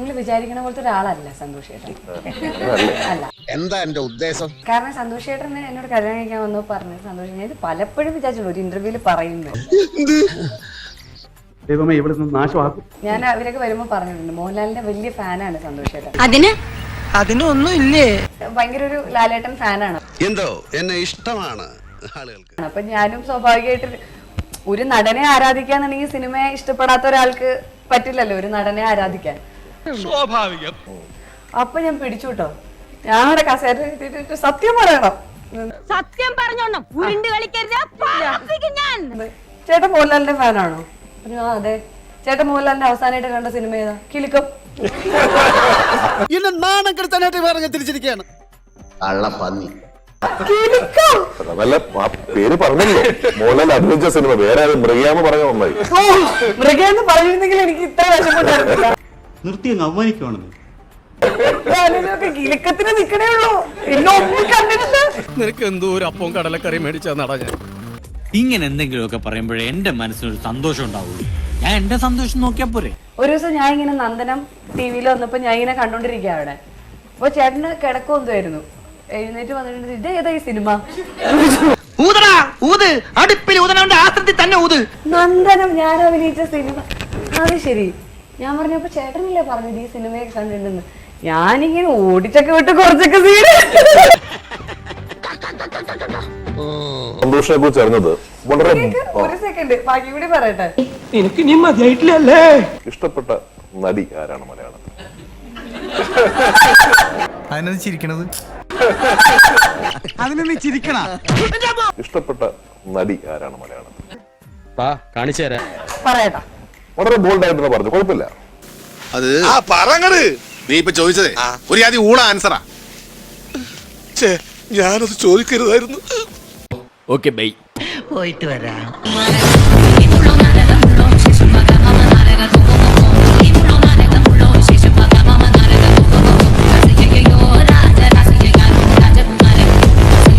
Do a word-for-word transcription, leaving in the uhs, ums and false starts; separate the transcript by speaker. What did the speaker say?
Speaker 1: നിങ്ങൾ വിചാരിക്കണ പോലത്തെ ഒരാളല്ല സന്തോഷ് ചേട്ടൻ. അല്ല.
Speaker 2: എന്താ എന്റെ ഉദ്ദേശം?
Speaker 1: കാരണം സന്തോഷ് ചേട്ടന് എന്നോട് കല്യാണം കഴിക്കാൻ വന്നു പറഞ്ഞു സന്തോഷം ഞാൻ ഇത് പലപ്പോഴും വിചാരിച്ചുള്ളൂ ഒരു ഇന്റർവ്യൂല് പറയുന്നത്.
Speaker 3: ദൈവമേ ഇവിടെ നിന്ന് നാശമാക്കും.
Speaker 1: ഞാൻ അവരൊക്കെ വരുമ്പോൾ പറഞ്ഞിട്ടുണ്ട് മോഹൻലാലിന്റെ വലിയ ഫാനാണ് സന്തോഷ് ചേട്ടൻ.
Speaker 4: അതിന് അതിനൊന്നും ഇല്ലേ?
Speaker 1: ഭയങ്കര ഒരു ലാലേട്ടൻ ഫാനാണ്.
Speaker 2: എന്തോ എന്നെ ഇഷ്ടമാണ് ആളുകൾക്ക്.
Speaker 1: അപ്പൊ ഞാനും സ്വാഭാവികമായിട്ട് ഒരു നടനെ ആരാധിക്കാന്നുണ്ടെങ്കിൽ സിനിമയെ ഇഷ്ടപ്പെടാത്ത ഒരാൾക്ക് പറ്റില്ലല്ലോ ഒരു നടനെ ആരാധിക്കാൻ.
Speaker 5: സ്വാഭാവികം.
Speaker 1: അപ്പൊ ഞാൻ പിടിച്ചു കേട്ടോ. ഞാനവിടെ കസേര സത്യം പറയണം.
Speaker 4: സത്യം പറഞ്ഞോണം ഉരുണ്ട് കളിക്കരുത്.
Speaker 1: ചേട്ടൻ മോഹൻലാലിന്റെ ഫാനാണോ? ആ അതെ. ചേട്ടൻ മോഹൻലാലിന്റെ അവസാനമായിട്ട് കണ്ട സിനിമ ഏതാ? കിലുക്കം.
Speaker 6: എന്നെ നാണം കെടുത്താനായിട്ട് പറഞ്ഞ് തിരിച്ചിരിക്കുകയാണ്.
Speaker 2: കള്ളപ്പന്നി.
Speaker 7: അതല്ല ആ പേര് പറഞ്ഞല്ലോ മോഹൻലാൽ അഭിനയിച്ച സിനിമ വേറെ മൃഗയാന്ന് പറഞ്ഞ നന്നായി.
Speaker 1: മൃഗയെന്ന് പറഞ്ഞിരുന്നെങ്കിൽ എനിക്ക് ഇത്ര വിഷമമുണ്ടായിരുന്നില്ല.
Speaker 3: നിർത്തി അങ്ങ് അവമാനിക്കുവാണെന്ന്.
Speaker 1: കിലുക്കത്തിന് നിക്കണേ ഉള്ളൂ. എന്നെ ഒന്നും കണ്ടിട്ടില്ല.
Speaker 5: നിനക്ക് എന്തോ ഒരു അപ്പവും കടലക്കറി മേടിച്ചാ നട ഞാൻ.
Speaker 8: ഇങ്ങനെ എന്തെങ്കിലുമൊക്കെ പറയുമ്പോഴേ എന്റെ മനസ്സിനൊരു സന്തോഷം ഉണ്ടാവുള്ളൂ. ഞാൻ എന്റെ സന്തോഷം നോക്കിയാ പോരെ.
Speaker 1: ഒരു ദിവസം ഞാൻ ഇങ്ങനെ നന്ദനം ടി വിയിൽ വന്നപ്പോ ഞാൻ ഇങ്ങനെ കണ്ടോണ്ടിരിക്കുക അവിടെ. അപ്പൊ ചേട്ടന് കിടക്കം എന്തായിരുന്നു എഴുന്നേറ്റ് വന്നിട്ടുണ്ട്. ഇത് ഏതാ ഈ സിനിമ? നന്ദനം ഞാൻ അഭിനയിച്ച സിനിമ. അത് ശരി. ഞാൻ പറഞ്ഞപ്പോ ചേട്ടനല്ലേ പറഞ്ഞത് ഈ സിനിമയൊക്കെ കണ്ടിട്ടുണ്ടെന്ന്. ഞാനിങ്ങനെ ഓടിച്ചൊക്കെ വിട്ട് കുറച്ചൊക്കെ സീന്.
Speaker 7: സന്തോഷിനെ കുറിച്ച് അറിഞ്ഞത് വളരെ
Speaker 1: ഒരു സെക്കൻഡ് ബാക്കി കൂടി പറയട്ടെ.
Speaker 5: എനിക്ക് നീ മതിയായിട്ടില്ലല്ലേ?
Speaker 7: ഇഷ്ടപ്പെട്ട നടി ആരാണ് മലയാളത്തിൽ?
Speaker 6: അതിനത് ചിരിക്കണത് അതിനൊന്ന് ചിരിക്കണ.
Speaker 7: ഇഷ്ടപ്പെട്ട നടി ആരാണ് മലയാളത്തിൽ?
Speaker 5: കാണിച്ചു തരാം.
Speaker 1: പറയട്ടാ.
Speaker 7: വളരെ ബോൾഡ് ആയിട്ട് പറഞ്ഞു. കുഴപ്പമില്ല.
Speaker 2: അത് ആ പറങ്ങട് നീ ഇപ്പൊ ചോദിച്ചതേ ഒരു ആദ്യം ഊള ആൻസറാ. ഞാനത് ചോദിക്കരുതായിരുന്നു.
Speaker 5: Okay bye.
Speaker 4: പോയിട്ട് വരാം.